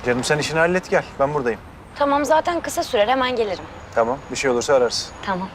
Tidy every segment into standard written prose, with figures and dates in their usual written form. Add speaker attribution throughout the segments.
Speaker 1: Canım sen işini hallet gel. Ben buradayım.
Speaker 2: Tamam zaten kısa sürer hemen gelirim.
Speaker 1: Tamam. Bir şey olursa ararsın.
Speaker 2: Tamam.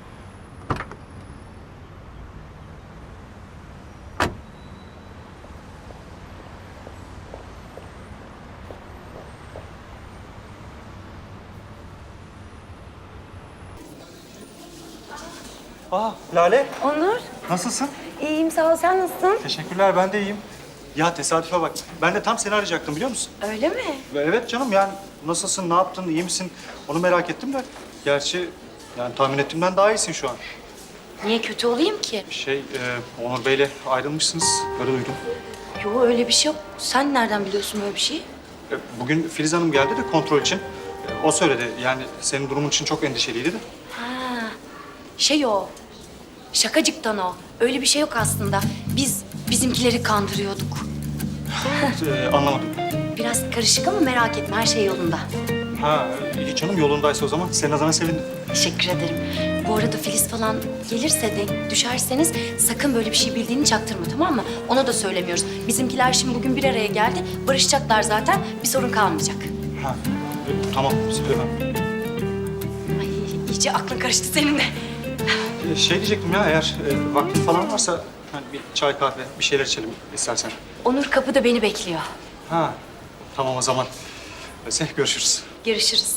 Speaker 3: Lale,
Speaker 2: Onur,
Speaker 3: nasılsın?
Speaker 2: iyiyim sağ ol. Sen nasılsın?
Speaker 3: Teşekkürler, ben de iyiyim. Ya tesadüfe bak, ben de tam seni arayacaktım biliyor musun?
Speaker 2: Öyle mi?
Speaker 3: Evet canım, yani nasılsın, ne yaptın, iyi misin? Onu merak ettim de. Gerçi yani tahmin ettiğimden daha iyisin şu an.
Speaker 2: Niye kötü olayım ki?
Speaker 3: Onur Bey'le ayrılmışsınız, öyle duydum.
Speaker 2: Yo öyle bir şey yok. Sen nereden biliyorsun böyle bir şeyi?
Speaker 3: Bugün Filiz Hanım geldi de kontrol için. O söyledi, yani senin durumun için çok endişeliydi de.
Speaker 2: Ha, şey o. Şakacıktan o. Öyle bir şey yok aslında. Biz bizimkileri kandırıyorduk.
Speaker 3: Anlamadım.
Speaker 2: Biraz karışık ama merak etme her şey yolunda.
Speaker 3: Ha, iyi canım, yolundaysa o zaman senin adına sevindim.
Speaker 2: Teşekkür ederim. Bu arada Filiz falan gelirse de düşerseniz sakın böyle bir şey bildiğini çaktırma tamam mı? Ona da söylemiyoruz. Bizimkiler şimdi bugün bir araya geldi. Barışacaklar zaten. Bir sorun kalmayacak.
Speaker 3: Ha, tamam, söylemem.
Speaker 2: Ay iyice aklın karıştı senin de.
Speaker 3: Şey diyecektim ya, eğer vaktin falan varsa hani bir çay kahve bir şeyler içelim istersen.
Speaker 2: Onur kapıda beni bekliyor.
Speaker 3: Ha, tamam o zaman. Öyleyse görüşürüz.
Speaker 2: Görüşürüz.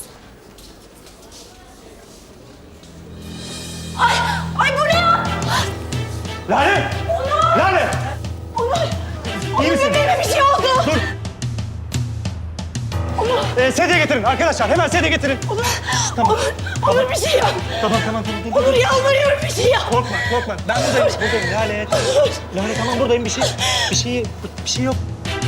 Speaker 2: Ay bu ne ya?
Speaker 3: Lale! Lale! İyi misin?
Speaker 2: Bebeğime bir şey oldu.
Speaker 3: Dur! Sedye getirin arkadaşlar, hemen sedye getirin. Tamam.
Speaker 2: Onur bir şey yap.
Speaker 3: Tamam. Dur.
Speaker 2: Onur yalvarıyorum bir şey yap.
Speaker 3: Korkma. Ben buradayım Lale. Lale tamam buradayım, bir şey yok.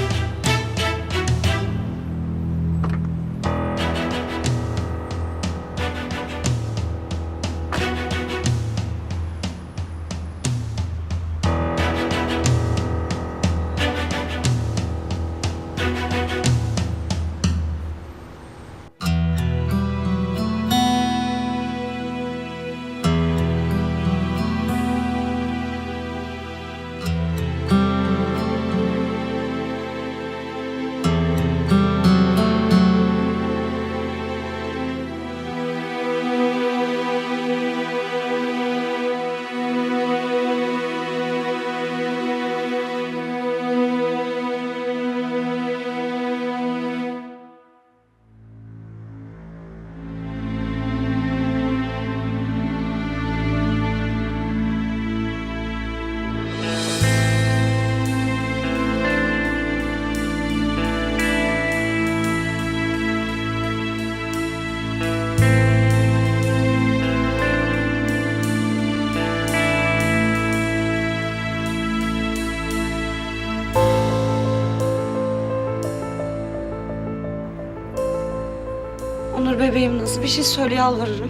Speaker 4: Onur bebeğim nasıl bir şey söyle yalvarırım.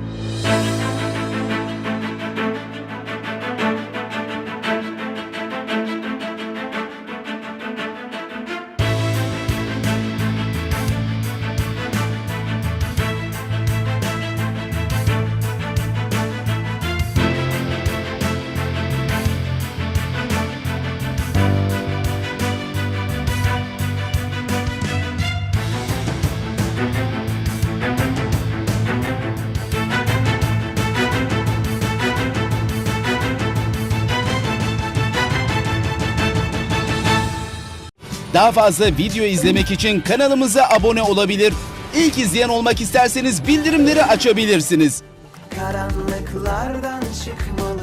Speaker 5: Daha fazla video izlemek için kanalımıza abone olabilir. İlk izleyen olmak isterseniz bildirimleri açabilirsiniz.
Speaker 6: Karanlıklardan çıkmalı